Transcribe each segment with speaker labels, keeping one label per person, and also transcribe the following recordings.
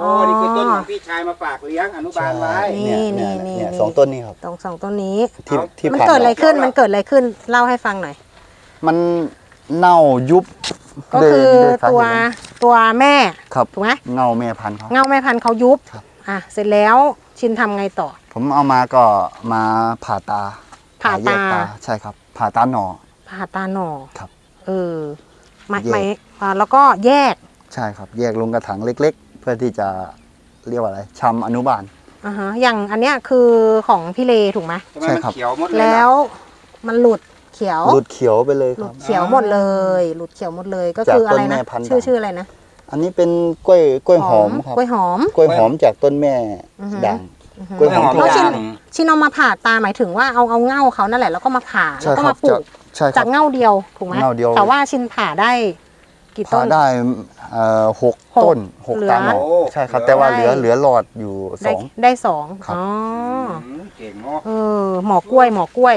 Speaker 1: นี่คือต้นของพี่ชายมาฝากเลี้ยงอนุบาลไว้
Speaker 2: เนี่ยสองต้นนี้ครับ
Speaker 3: สองต้นนี้
Speaker 2: ที่
Speaker 3: มันเกิดอะไรขึ้นเล่าให้ฟังหน่อย
Speaker 2: มันเน่ายุบ
Speaker 3: ก็คือตัวแม่ถูกไหม
Speaker 2: เงาแม่พันธุ์
Speaker 3: เขายุบเสร็จแล้วชินทำไงต่อ
Speaker 2: ผมเอามาก็มาผ่าตาใช่ครับผ่าตาหน่อ
Speaker 3: ครับแล้วก็แยก
Speaker 2: ใช่ครับแยกลงกระถางเล็กๆเพื่อที่จะเรียกว่าอะไรชำอนุบาล
Speaker 3: อย่างอันเนี้ยคือของพี่เลถูกไหม
Speaker 2: ใช่ครับ
Speaker 3: แล้วมันหลุดเขียว
Speaker 2: ไปเลย
Speaker 3: หลุดเขียวหมดเลยก็คืออะไรนะชื่ออะไรนะ
Speaker 2: อันนี้เป็นกล้วยหอมครับกล้วยหอมจากต้นแม่ด่าง
Speaker 3: กล้วยหอมชินเอามาผ่าตาหมายถึงว่าเอาเง่าเขานั่นแหละแล้วก็มาผ่าแล้วก็มาปลูกจากเง่าเดียวถูกไหมแต่ว่าชินผ่าได้กี่ต้น
Speaker 2: ได้6 ต้น6 ตาหน่อใช่ครับแต่ว่าเหลือหลอดอยู่2
Speaker 3: ได้2อ๋อ
Speaker 1: เก่งเนาะ
Speaker 3: หมอกล้วย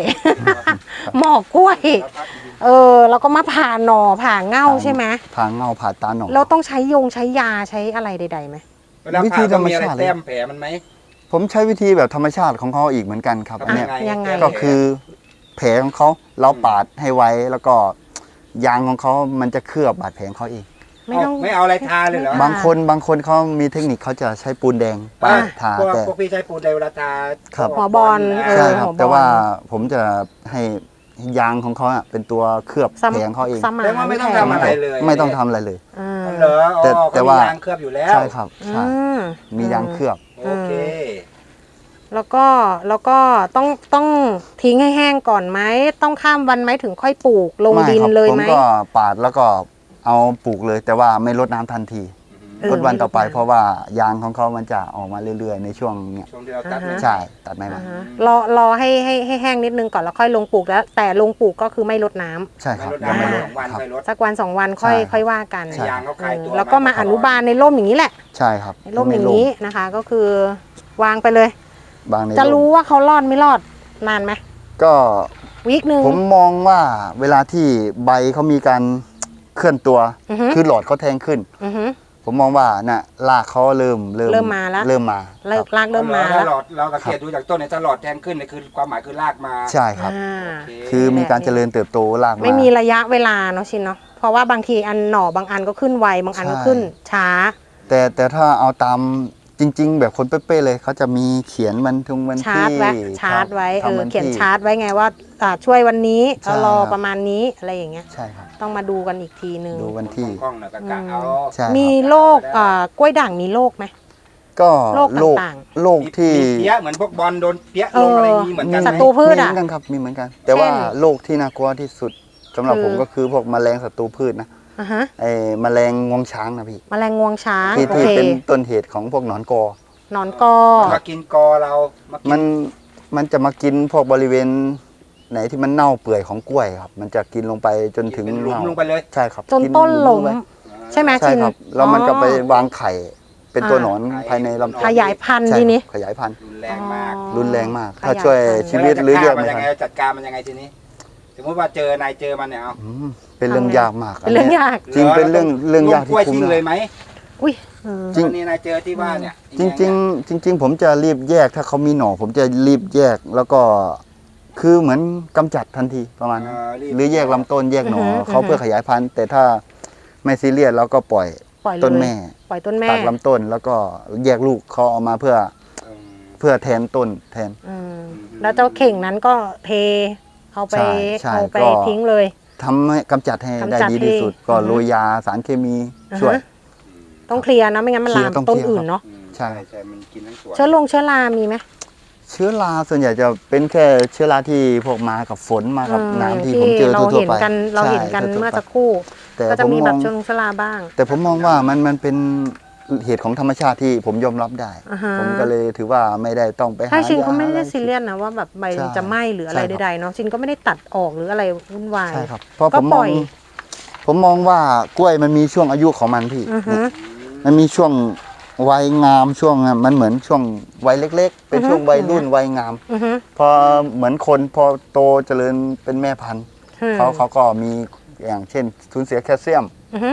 Speaker 3: แล้วก็มาผ่าหน่อผ่าเง่าใช่ไหม
Speaker 2: ผ่าเง่าผ่าตาหน่อ
Speaker 3: เราต้องใช้ยาใช้อะไรใดๆไหม
Speaker 1: วิธีธรรมชาติแต้มแผลมันไหม
Speaker 2: ผมใช้วิธีแบบธรรมชาติของเขาอีกเหมือนกันครับเนี่ยก็คือแผลของเขาเราปาดให้ไว้แล้วก็ยางของเขามันจะเคลือบบาดแผลของเขาเอง
Speaker 1: ไม่เอาอะไรทาเลยเหรอบ
Speaker 2: างคนเขามีเทคนิคเขาจะใช้ปูนแดงปาดทา
Speaker 1: แต่พวกพี่ใช้ปูนแดงเวลาทา
Speaker 3: หัวบอล
Speaker 2: ใช่ครับแต่ว่าผมจะให้ยางของเขาเป็นตัวเคลือบแผลของเขาเอง
Speaker 1: แต่ว่าไม่ต้องทำอะไรเลย
Speaker 2: ไม่ต้องทำอะไรเลย
Speaker 1: แต่ว่ายางเคลือบอยู่แล้ว
Speaker 2: ใช่ครับใช่มียางเคลือบ
Speaker 1: โอเค
Speaker 3: แล้วก็ต้องทิ้งให้แห้งก่อนไหมต้องข้ามวันไหมถึงค่อยปลูกลงดินเลยไหม
Speaker 2: ผมก็ปาดแล้วก็เอาปลูกเลยแต่ว่าไม่รดน้ำทันทีรดวันต่อไปเพราะว่ายางของเขามันจะออกมาเรื่อยๆในช่วงเนี้ยใช่ตัดไม่ม
Speaker 3: ารอให้แห้งนิดนึงก่อนแล้วค่อยลงปลูกแล้วแต่ลงปลูกก็คือไม่รดน้ำ
Speaker 2: ใช่ครับ
Speaker 3: สักวัน2 วันค่อยว่ากันแล้วก็มาอนุบาลในร่มอย่างนี้แหละ
Speaker 2: ใช่ครับ
Speaker 3: ในร่มอย่างนี้นะคะก็คือวางไปเลย
Speaker 2: จะ
Speaker 3: รู้ว่าเขารอดไม่รอดนานไหม
Speaker 2: ก็
Speaker 3: วีคนึง
Speaker 2: ผมมองว่าเวลาที่ใบเขามีการเคลื่อนตัวคือหลอดเขาแทงขึ้นผมมองว่าน่ะรากเขาเริ่ม
Speaker 3: มาแล้ว
Speaker 2: ร
Speaker 3: ากเริ่มมาแล้ว
Speaker 1: เราสังเกตดูจากต้นเนี่ยถ้าหลอดแทงขึ้นเนี่ยคือความหมายคือรากมา
Speaker 2: ใช่ครับคือมีการเจริญเติบโตรากมา
Speaker 3: ไม่มีระยะเวลาเนาะชินเนาะเพราะว่าบางทีอันหน่อบางอันก็ขึ้นไวบางอันก็ขึ้นช้า
Speaker 2: แต่ถ้าเอาตามจริงๆแบบคนเป๊ะๆเลยเขาจะมีเขียนวันที่
Speaker 3: ชาร์จไว้เขียนชาร์จไว้ไงว่าช่วยวันนี้รอประมาณนี้อะไรอย่างเงี้ย
Speaker 2: ใช่ครับ
Speaker 3: ต้องมาดูกันอีกทีนึง
Speaker 2: ดูวันที่
Speaker 3: มีโรคกล้วยด่างมีโรคไหม
Speaker 2: ก็โรคที่
Speaker 1: เปี้ยเหมือนพวกบอลโดนเปี้ยลงอะไรนี้เหมือนกัน
Speaker 3: ศัตรูพืช
Speaker 2: เหมือนกันครับมีเหมือนกันแต่ว่าโรคที่น่ากลัวที่สุดสำหรับผมก็คือพวกแมลงศัตรูพืชนะไอ้แมลงงวงช้างนะพี่
Speaker 3: แมลงงวงช้าง
Speaker 2: ที่เป็นต้นเหตุของพวกหนอนกอ
Speaker 1: มากินกอเรา
Speaker 2: มันจะมากินพวกบริเวณไหนที่มันเน่าเปื่อยของกล้วยครับมันจะกินลงไปจนถึง
Speaker 1: หลุมลงไปเลย
Speaker 2: ใช่ครับ
Speaker 3: จนต้นหลงใช่ไหม
Speaker 2: ใช่ครับแล้วมันก็ไปวางไข่เป็นตัวหนอนภายในลำต้น
Speaker 3: ขยายพันธุ์ทีนี้
Speaker 2: ขยายพันธุ์
Speaker 1: รุนแรงมาก
Speaker 2: ถ้าช่วยชีวิตหรือเรียก
Speaker 1: มันยังไงจัดการมันยังไงทีนี้สมมติว่าเจมันเนี่ย
Speaker 2: เป็นเรื่องยากมาก
Speaker 3: เป็นเรื่องยาก
Speaker 2: จริงเป็นเรื่องยากที่
Speaker 1: คุ้มเลยไหม
Speaker 3: อุ้ย
Speaker 1: จริงนี่นายเจอที่บ้านเนี่ย
Speaker 2: จริงผมจะรีบแยกถ้าเขามีหน่อผมจะรีบแยกแล้วก็คือเหมือนกำจัดทันทีประมาณหรือแยกลำต้นแยกหน่อเขาเพื่อขยายพันธุ์แต่ถ้าไม่ซีเรียสเราก็ปล่อยต้นแม่ตัดลำต้นแล้วก็แยกลูกเขาออกมาเพื่อแทนต้นแทน
Speaker 3: แล้วเจ้าเข่งนั้นก็เทเอาไปทิ้งเลย
Speaker 2: ทำให้กำจัดให้ได้ดีที่สุดก็โรยยาสารเคมีช่วย
Speaker 3: ต้องเคลียร์นะไม่งั้นมันลามต้นอื่นเนาะ
Speaker 2: ใช่
Speaker 1: มันกินทั้งสวน
Speaker 3: เชื้อรามีไหม
Speaker 2: เชื้อราส่วนใหญ่จะเป็นแค่เชื้อราที่พวกมากับฝนมากับน้ำที่ผมเจอทั่วไป
Speaker 3: เราเห็นกันเมื่อสักครู่ก็จะมีแบบเชื้อราบ้าง
Speaker 2: แต่ผมมองว่ามันเป็นเหตุของธรรมชาติที่ผมยอมรับได้ผมก็เลยถือว่าไม่ได้ต้องไปหา
Speaker 3: ถ้าชินก็ไม่ได้ซีเรียสนะว่าแบบใบจะไหม้หรืออะไรใดๆเนาะชินก็ไม่ได้ตัดออกหรืออะไรวุ่นวาย
Speaker 2: ใช่ครับเพราะผมมองว่ากล้วยมันมีช่วงอายุของมันพี่มันมีช่วงวัยงามช่วงมันเหมือนช่วงวัยเล็กๆเป็นช่วงวัยรุ่นวัยงามพอเหมือนคนพอโตเจริญเป็นแม่พันธุ์เขาก็มีอย่างเช่นสูญเสียแคลเซียม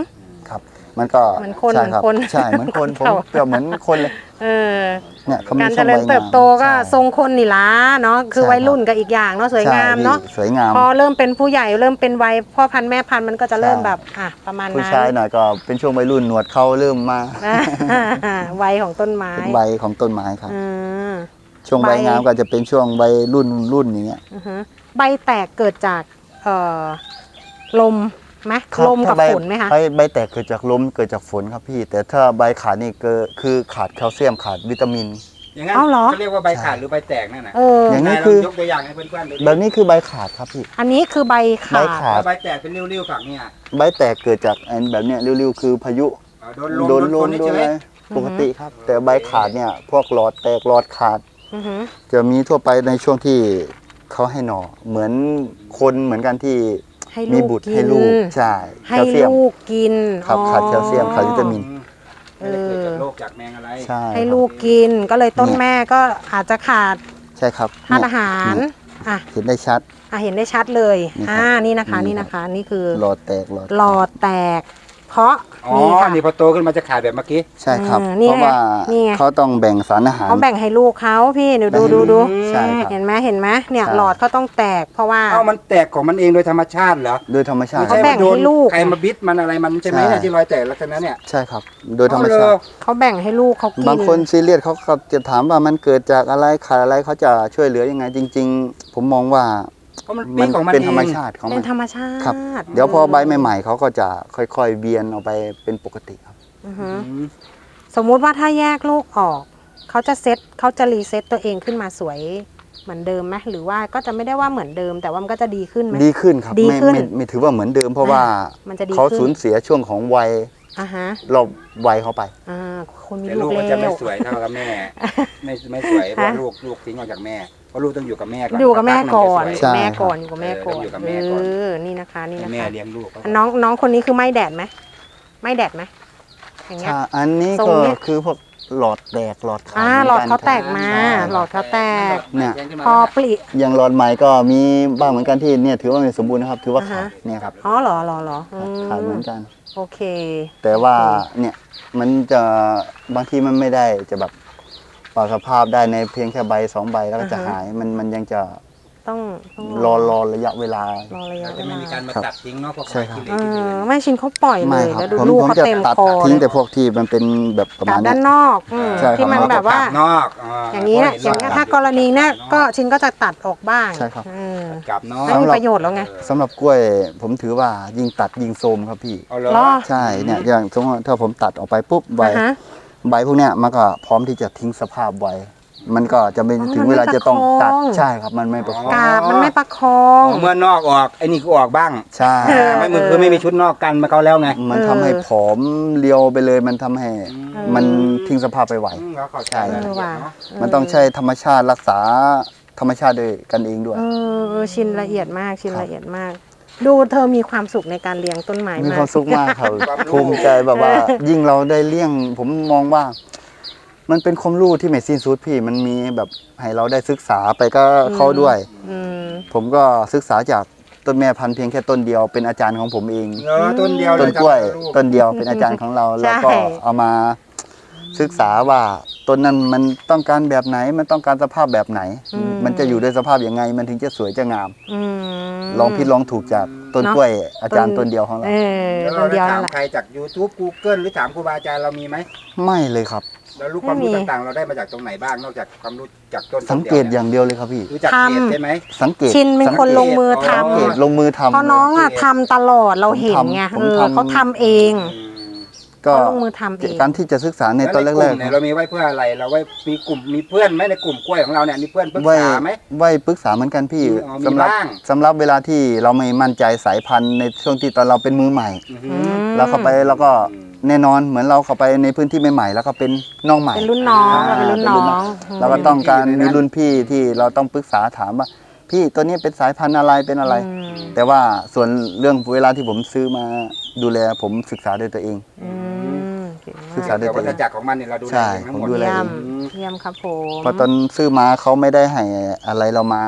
Speaker 2: ครับ มันก็
Speaker 3: เหมือนคน
Speaker 2: ใช่ครับ
Speaker 3: เหมือนคน
Speaker 2: ใช่เหมือนคนผม
Speaker 3: เขา
Speaker 2: เปรียบเหมือนคนเลย
Speaker 3: เออ
Speaker 2: เนี่ยเขามี
Speaker 3: การ
Speaker 2: ช่
Speaker 3: เจ
Speaker 2: วง
Speaker 3: ริ
Speaker 2: ใบ
Speaker 3: ญ
Speaker 2: งาม
Speaker 3: เติบโตก็
Speaker 2: ใช่
Speaker 3: ทรงคนนี่ล้าเนาะคือ
Speaker 2: ใช่
Speaker 3: วัยรุ่น
Speaker 2: ครับ
Speaker 3: ก็อีกอย่างเนาะสวยงาม
Speaker 2: ใช่
Speaker 3: เนาะ
Speaker 2: พี่สวยงาม
Speaker 3: พอเริ่มเป็นผู้ใหญ่เริ่มเป็นวัยพ่อพันธุ์แม่พันธุ์มันก็จะเริ่ม
Speaker 2: ใช่
Speaker 3: แบบประมาณ
Speaker 2: ผู้
Speaker 3: นั้น
Speaker 2: ชายหน่อยก็เป็นช่วงวัยรุ่นหนวดเขาเริ่มมา
Speaker 3: วัยของต้นไม้
Speaker 2: เป็นใบของต้นไม้ครับ
Speaker 3: อืม
Speaker 2: ช่วงใบงามก็จะเป็นช่วงใบรุ่นอย่างเงี้ย
Speaker 3: อือฮึใบแตกเกิดจากลมไหม
Speaker 2: ครับ
Speaker 3: ลมกับ
Speaker 2: ถ้า
Speaker 3: ฝนไหมคะ
Speaker 2: ใบแตกเกิดจากลมเกิดจากฝนครับพี่ แต่ถ้าใบขาดนี่คือขาดแคลเซียมขาดวิตามิน
Speaker 1: อย่างนั้น
Speaker 3: เอาเหรอ
Speaker 1: เขาเรียกว่าใบขาดหรือใบแตกนั่นน่ะ
Speaker 2: อย่างนี้
Speaker 1: นายล
Speaker 2: คือ
Speaker 1: ยกตัวอย่างให้เพื่อนๆดูดิ
Speaker 2: แบบนี้คือใบขาดครับพี่
Speaker 3: อันนี้คือใบ
Speaker 2: ใบ
Speaker 3: ขา
Speaker 2: ขา
Speaker 3: ด
Speaker 1: แล้วใบแตกเป็นริ้วๆฝั่งเนี่ย
Speaker 2: ใบแตกเกิดจากอันแบบเนี้ยริ้วๆคือพายุ
Speaker 1: โดนลม
Speaker 2: โดน
Speaker 1: ใช่ไหม
Speaker 2: อะไรปกติครับ แต่ใบขาดเนี่ยพวกหลอดแตกหลอดขาด
Speaker 3: อือฮึ
Speaker 2: จะมีทั่วไปในช่วงที่เขาให้หน่อเหมือนคนเหมือนกันที่
Speaker 3: ให้
Speaker 2: มี
Speaker 3: ลูก
Speaker 2: บุตร
Speaker 3: กิ
Speaker 2: ให้
Speaker 3: น
Speaker 2: ลูกใช่
Speaker 3: ให้
Speaker 2: แคลเซียม
Speaker 3: ลูกกิน
Speaker 2: ครับขาดแคลเซียมขาดวิตามิน
Speaker 1: ไม่ได้เกิดจากโรคจากแมงอะไร
Speaker 2: ใช่
Speaker 3: ให้
Speaker 2: ครับ
Speaker 3: ลูกกินก็เลยต้นแม่ก็อาจจะขาด
Speaker 2: ใช่ครับ
Speaker 3: ธาตุอาหาร
Speaker 2: เนี่ย
Speaker 3: อ่ะ
Speaker 2: เห็นได้ชัด
Speaker 3: เห็นได้ชัดเลย
Speaker 2: นี่ครับ
Speaker 3: นี่นะคะ
Speaker 2: นี่
Speaker 3: นี่
Speaker 2: ครับ
Speaker 3: นะคะ นี่คือ
Speaker 2: หลอดแตกหลอด
Speaker 3: หลอดแตก เพราะ
Speaker 1: อ๋อ
Speaker 3: นี่ค่ะ
Speaker 1: นี่พอโตขึ้นมาจะขาดแบบเมื่อกี้
Speaker 2: ใช่ครับ
Speaker 3: นี่
Speaker 2: เพราะว่า
Speaker 3: นี่ไง
Speaker 2: เขาต้องแบ่งสารอาหาร
Speaker 3: เขาแบ่งให้ลูกเขาพี่เดี๋ยวดู
Speaker 2: แบ่ง
Speaker 3: ดูดู
Speaker 2: ใช่ครับ
Speaker 3: เห็นไหมเห็นไหมเนี่ย
Speaker 2: ใช่
Speaker 3: หลอดเขาต้องแตกเพราะว่า
Speaker 1: เอ้ามันแตกของมันเองโดยธรรมชาติเหรอ
Speaker 2: โดยธรรมชาติ
Speaker 1: ไม่
Speaker 3: เขา
Speaker 1: ใช่
Speaker 3: แบ่
Speaker 1: ว่าง โดน
Speaker 3: ให้ลูก
Speaker 1: ใครมาบิดมันอะไรมันใช่ไหม
Speaker 2: ใช่
Speaker 1: เนี่ยที่รอยแตกลักษณะเนี่ย
Speaker 2: ใช่ครับ โดยธรรมชา
Speaker 1: เอา
Speaker 2: ติ
Speaker 1: เลย
Speaker 3: เขาแบ่งให้ลูกเขากิน
Speaker 2: บางคนซีเรียสเขาก็จะถามว่ามันเกิดจากอะไรขาดอะไรเขาจะช่วยเหลือยังไง จริง ๆ ผมมองว่า
Speaker 1: เพราะมันปีของมัน
Speaker 2: เป็น
Speaker 1: เอ
Speaker 2: ธรรม
Speaker 1: ง
Speaker 2: ชาติของ
Speaker 3: เป็
Speaker 2: มัน น
Speaker 3: ธรรมชา
Speaker 2: ครับ
Speaker 3: ติ
Speaker 2: เดี๋ยวพอใบใหม่ๆเขาก็จะค่อยๆเวียนออกไปเป็นปกติครับ
Speaker 3: อือฮึ
Speaker 1: อืม
Speaker 3: สมมุติว่าถ้าแยกลูกออกเขาจะรีเซ็ตตัวเองขึ้นมาสวยเหมือนเดิมไหมหรือว่าก็จะไม่ได้ว่าเหมือนเดิม แต่ว่ามันก็จะดีขึ้นไหม
Speaker 2: ดีขึ้นครับ
Speaker 3: ดีขึ้น
Speaker 2: ไม่ถือว่าเหมือนเดิม เพราะว่า
Speaker 3: มันจะดี
Speaker 2: เขา
Speaker 3: ขึ้น
Speaker 2: สูญเสียช่วงของวัย
Speaker 3: อ่าฮะ
Speaker 2: รอบวัยเขาไป
Speaker 3: คนมี
Speaker 1: แต่
Speaker 3: ลู
Speaker 1: ลู
Speaker 3: ก
Speaker 1: กมันจะไม่
Speaker 3: แล้ว
Speaker 1: สวยเท่ากับแม่ ไม่สวยเพราะลูกทิ้งออกจากแม่ เพราะลูกต้องอยู่กับแม่ก่อน
Speaker 3: อยู่กับแม่ก่อน
Speaker 1: สั
Speaker 2: ใช่
Speaker 3: แม่ก่อนอยู่กับแม่ก่อน
Speaker 1: อยู่กับแม่ก่อน
Speaker 3: นี่นะคะนี่
Speaker 1: พัก
Speaker 3: นะ
Speaker 1: หนึ่งแม่
Speaker 3: คะ
Speaker 1: เลี้ยงลูก
Speaker 3: น้องคนนี้คือไม่แดดไหมไม่แดดไหมอย่างเงี้ย
Speaker 2: ใช่อันนี้
Speaker 3: ทรง
Speaker 2: ก็
Speaker 3: เนี้ย
Speaker 2: คือพวกหลอดแตกหลอดขาด
Speaker 3: หลอดเขาแตก
Speaker 2: หมือน
Speaker 3: มา
Speaker 2: กัน
Speaker 3: หลอดเขาแตก
Speaker 2: เนี่ย
Speaker 3: พอปลิ
Speaker 2: อย่างหลอดใหม่ก็มีบ้างเหมือนกันที่เนี่ยถือว่าไม่สมบูรณ์นะครับ ถือว่าขาด
Speaker 3: อ่าฮะ
Speaker 2: เนี่ยครับ
Speaker 3: เหรอ
Speaker 2: ขาดเหมือนกัน
Speaker 3: โอเค
Speaker 2: แต่ว่าเนี่ยมันจะบางทีมันไม่ได้จะแบบปรับสภาพได้ในเพียงแค่ใบสองใบแล้วก็จะ
Speaker 3: อ่าฮะ
Speaker 2: หายมันยังจะ
Speaker 3: ต้อง
Speaker 2: รอระยะเวลา
Speaker 3: รอระยะ
Speaker 1: เรา
Speaker 3: เว
Speaker 1: จะไม่
Speaker 3: ลา
Speaker 1: มีการมาตัดทิ้งเนาะพวก
Speaker 2: ใช่ครับ
Speaker 1: ไม้ขี้เหร่ขี้เหร่
Speaker 3: ไม่ชินเขาปล่อยเล
Speaker 2: ไม่
Speaker 3: ย
Speaker 2: ครับ
Speaker 3: แล้วดู
Speaker 2: ผม
Speaker 3: ลูก
Speaker 2: ผม
Speaker 3: เขา
Speaker 2: จะ
Speaker 3: เต็ม
Speaker 2: ตัด
Speaker 3: คอ
Speaker 2: ทิ้ง
Speaker 3: เล
Speaker 2: แต่
Speaker 3: ย
Speaker 2: พวกที่มันเป็นแบบประ
Speaker 3: กา
Speaker 2: มา
Speaker 3: บ
Speaker 2: ณ
Speaker 3: ด้าน
Speaker 2: เนี้ย
Speaker 3: นอก
Speaker 2: ใช่ครับ
Speaker 3: ที่มันแบบว่า
Speaker 1: กบนอก
Speaker 3: อย่างนี้เนี่ยอย่างนี้ถ้ากรณีเนี่ยก็ชินก็จะตัดออกบ้าง
Speaker 2: ใช่ครับ
Speaker 1: กับนอก
Speaker 3: ไม่มีประโยชน์แล้วไง
Speaker 2: สำหรับกล้วยผมถือว่ายิ่งตัดยิ่งโทรมครับพี่
Speaker 1: เอาเหรอ
Speaker 3: เหรอ
Speaker 2: ใช่เนี่ยอย่างสมมติว่าถ้าผมตัดออกไปปุ๊บใบ
Speaker 3: อ่าฮะ
Speaker 2: ใบพวกเนี้ยมันก็พร้อมที่จะทิ้งสภาพไว้ มันก็จะไม่
Speaker 3: อ๋อ
Speaker 2: ถึงเวลาจะต้องตัด
Speaker 3: มันไม่ประคอง
Speaker 2: ใช่ครับมันไม่ประคอง
Speaker 3: กาบมันไม่ประคอง
Speaker 1: เมื่อนอกออกไอ้นี่ก็ออกบ้าง
Speaker 2: ใช่
Speaker 1: ไม่มือคือไม่มีชุดนอกกันมาเขาแล้วไง
Speaker 2: มันทำให้ผอมเรียวไปเลยมันทำให้
Speaker 3: อ
Speaker 2: มันทิ้งสภาพไปไหว
Speaker 1: เขาเข้าใจ
Speaker 2: ใช่
Speaker 1: รายละเอียดเนอะ
Speaker 2: มันต้องใช้ธรรมชาติรักษาธรรมชาติด้วยกันเองด้วย
Speaker 3: ชินละเอียดมากชิน
Speaker 2: ครับ
Speaker 3: ละเอียดมาก ดูเธอมีความสุขในการเลี้ยงต้นไม้
Speaker 2: มี
Speaker 3: มา
Speaker 2: ความ
Speaker 3: ก
Speaker 2: สุขมากครับภูมิใจแบบว่า ยิ่งเราได้เลี้ยง ผมมองว่า มันเป็นความรู้ที่ไม่สิ้นสุดพี่ มันมีแบบให้เราได้ศึกษาไปก็เขาด้วย
Speaker 3: อืม
Speaker 2: ผมก็ศึกษาจากต้นแม่พันธุ์เพียงแค่ต้นเดียวเป็นอาจารย์ของผมเอง
Speaker 1: เออต้นเดียวเล
Speaker 2: ต้น
Speaker 1: ย
Speaker 2: กล้วย
Speaker 1: ครับ
Speaker 2: ต้นเดียวเป็นอาจารย์ของเรา แล้วก็เอามาศึกษาว่าต้นนั้นมันต้องการแบบไหนมันต้องการสภาพแบบไหน มันจะอยู่ด้วยสภาพยังไง มันถึงจะสวยจะงาม
Speaker 3: อืม
Speaker 2: ลองผิดลองถูกจากต้น
Speaker 3: เนอะ
Speaker 2: กล้วยอาจารย์ต้นเดียวของเรา
Speaker 1: แล้ว
Speaker 3: ต้
Speaker 1: เรา
Speaker 3: น
Speaker 1: ได้
Speaker 3: เดียว
Speaker 1: ถา
Speaker 3: นั่
Speaker 1: ม
Speaker 3: นแหละ
Speaker 1: ใครจาก YouTube Google หรือถามครูบาอาจารย์เรามีไหม
Speaker 2: ไม่เลยครับ
Speaker 1: แล้วรู้ความรู้
Speaker 3: ไม่มี
Speaker 1: ต่างๆ เราได้มาจากตรงไหนบ้างนอกจากความรู้จากต้น
Speaker 2: สังเกตอย่างเดียวเลยครับพี่
Speaker 1: รู้จัก
Speaker 3: ทำ
Speaker 1: เพจใช่ไหม
Speaker 2: สังเกต
Speaker 3: ชินเป็นคนลงมือท
Speaker 2: สังเกตลงมือทำ
Speaker 3: ำเพราะน้องอ่ะทำตลอดเราเห็นไง
Speaker 2: ผมทำ
Speaker 3: เขาทำเอง
Speaker 2: ก็
Speaker 3: เขาลงมือทำเอง
Speaker 2: การที่จะศึกษาใน
Speaker 1: แล้ว
Speaker 2: ตอน
Speaker 1: ในก
Speaker 2: แร
Speaker 1: ลุ่
Speaker 2: ก
Speaker 1: มเนี่ยเรามีไว้เพื่ออะไรเราไว้มีกลุ่มมีเพื่อนไหมในกลุ่มกล้วยของเราเนี่ยมีเพื่อนปรึก
Speaker 2: ไว้
Speaker 1: ษาไหม
Speaker 2: ไว้ปรึกษาเหมือนกันพี่
Speaker 1: อ๋อมี
Speaker 2: สำหรับ
Speaker 1: บ้าง
Speaker 2: สำหรับเวลาที่เราไม่มั่นใจสายพันธุ์ในช่วงที่ตอนเราเป็นมือใหม่
Speaker 1: อือฮึ
Speaker 2: เราเข้าไปแล้วก็แน่นอนเหมือนเราเข้าไปในพื้นที่ใหม่ๆแล้วก็เป็นน้องใหม่
Speaker 3: เป็นรุ่นน้องเราเป็นรุ่นน้อง
Speaker 2: เราก็ต้องการมีรุ่นพี่ที่เราต้องปรึกษาถามว่า พี่ตัวนี้เป็นสายพันธุ์อะไรเป็นอะไร แต่ว่าส่วนเรื่องเวลาที่ผมซื้อมาดูแลผมศึกษาด้วยตัวเอง
Speaker 3: เก่ง
Speaker 2: ศึก
Speaker 3: มา
Speaker 2: ษา
Speaker 3: ก
Speaker 2: ด้วย
Speaker 1: แต่วัฏจักรของมันเนี่ยเราดูแล
Speaker 2: ใช่
Speaker 1: เองทั้งหมด
Speaker 2: ผมดูแล
Speaker 3: เยี่ยม
Speaker 1: อืม
Speaker 3: เยี่ยมครับผม
Speaker 2: พอตอนซื้อมาเขาไม่ได้ให้อะไรเรามา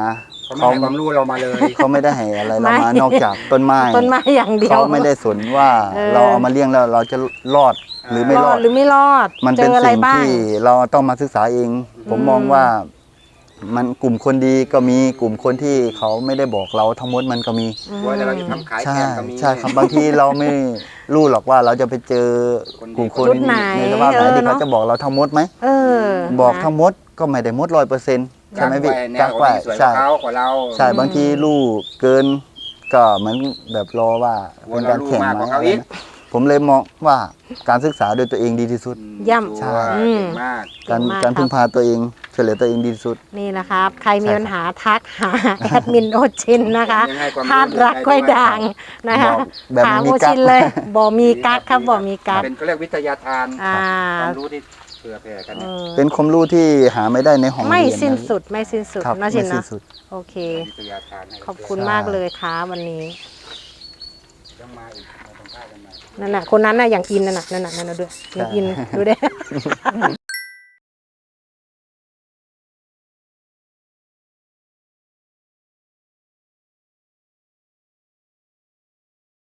Speaker 1: เขาไม่ให้ความรู้เรามาเลย
Speaker 2: เขาไม่ได้ให้อะไรเรามานอกจากต้นไม้
Speaker 3: ต้นไม้อย่างเดียว
Speaker 2: เขาไม่ได้สนว่า เราเอามาเลี้ยงแล้วเราจะรอดหรือไม่รอด
Speaker 3: หรือไม่รอด
Speaker 2: มัน
Speaker 3: เจ
Speaker 2: เป็น
Speaker 3: ออะไร
Speaker 2: สิ่ง
Speaker 3: บ้าง
Speaker 2: ที่เราต้องมาศึกษาเอง ผมมองว่ามันกลุ่มคนดีก็มีกลุ่มคนที่เขาไม่ได้บอกเราทั้งหมดมันก็มี
Speaker 1: ว่าแต่เราจะทำขาย
Speaker 2: ใช่
Speaker 1: แข่งก็มี
Speaker 2: ใช่ครับบางทีเราไม่รู้หรอกว่าเราจะไปเจอกลุ่มคน
Speaker 3: รุ่นไหน
Speaker 2: ในสภาพไหนที่เขาจะบอกเราทั้งหมดไหม
Speaker 3: เออ
Speaker 2: บอก
Speaker 3: นะ
Speaker 2: ทั้งหมดก็ไม่ได้หมด100%ใช่ไหมพี่
Speaker 1: กากไว้
Speaker 2: ใช่
Speaker 1: กเขากว่าเรา
Speaker 2: ใช่บางทีลูกเกินก็เหมือนแบบรอว่าเป็นการแข่ง
Speaker 1: มากกว่า
Speaker 2: ไหม
Speaker 1: เขาอีก
Speaker 2: ผมเลยมองว่าการศึกษาโดยตัวเองดีที่สุด
Speaker 3: ย่ำ
Speaker 2: ใช่
Speaker 1: เก่งมาก
Speaker 2: การ
Speaker 3: เก่งมาก
Speaker 2: การ
Speaker 3: ครับ
Speaker 2: พึ่งพาตัวเองช่วยเหลือตัวเองดีที่สุด
Speaker 3: นี่นะครับ ใครมี
Speaker 2: ใช่ครับ
Speaker 3: ปัญหาทักหา แอดมินโอชินนะคะ
Speaker 1: ยังให้ความรู้
Speaker 3: ธาตุรัก
Speaker 1: ได้
Speaker 3: กล้วย
Speaker 1: ด้วย
Speaker 3: ด่างนะคะ
Speaker 2: บอกแบบ
Speaker 3: ถาม
Speaker 2: ไม่มี
Speaker 3: โอ
Speaker 2: กั๊
Speaker 3: ชิ
Speaker 2: ก
Speaker 3: นเลยบ่มีกักครับบ่มีกัก
Speaker 1: เป็นเขาเรียกวิทยาทาน
Speaker 3: อ่า
Speaker 1: ความรู้ที่เผื่อแผ่กัน
Speaker 3: เอ
Speaker 1: เนี่ย
Speaker 3: อ
Speaker 2: เป็นความรู้ที่หาไม่ได้ในห้องเรียน
Speaker 3: ไม่สิ้น
Speaker 2: นะ
Speaker 3: สุดไม่สิ้นสุด
Speaker 2: ครับ
Speaker 3: นะชิ
Speaker 2: ไม่
Speaker 3: น
Speaker 2: สิ้
Speaker 3: นะ
Speaker 2: นสุด
Speaker 3: โอเค
Speaker 1: วิทยาทานให้
Speaker 3: ขอบคุณมากเลยครับวันนี้
Speaker 1: ต้องมาอีกมาสัมภาษณ์กันใหม่
Speaker 3: นั่นน่ะคนนั้นน่ะอย่างอินนั่นน่ะด้วยอย่างอินดูเด้